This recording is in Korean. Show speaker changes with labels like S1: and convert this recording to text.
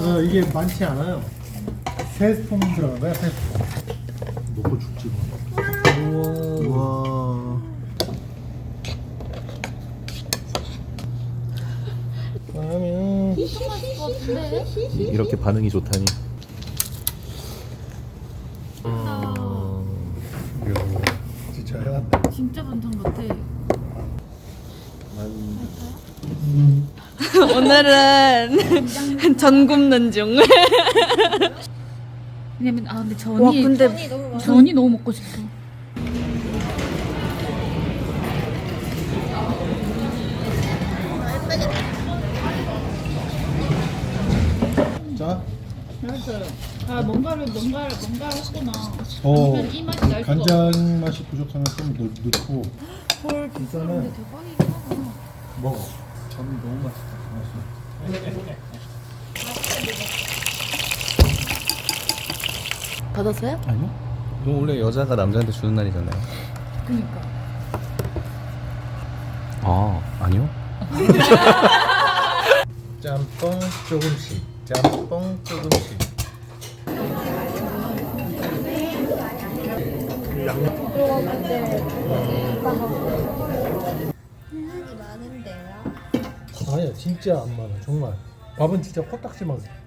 S1: 이게 많지 않아요. 3스푼 들어간 거야, 3스푼. 놓고 죽지 뭐.
S2: 우와.
S1: 그러면
S2: 이렇게 반응이 좋다니.
S1: 이거 진짜 해간다.
S3: 진짜 반찬 같아.
S4: 오늘은 전 굽는 중.
S3: 왜냐면 근데 전이
S4: 와 근데
S3: 전이 너무 먹고 싶어.
S1: 자,
S3: 알았어요. 뭔가 했구나. 이 맛이 날 수가
S1: 간장 맛이 부족하면 좀 넣고.
S3: 헐
S1: 일단은
S3: 대박이긴 하다.
S1: 먹어. 전 너무 맛있다.
S4: 받았어요?
S2: 아니요? 이거 원래 여자가 남자한테 주는 날이잖아요.
S3: 그니까.
S2: 아, 아니요?
S1: 짬뽕 조금씩. 짬뽕 조금씩. 아니야, 진짜 안 많아. 정말. 밥은 진짜 코딱지만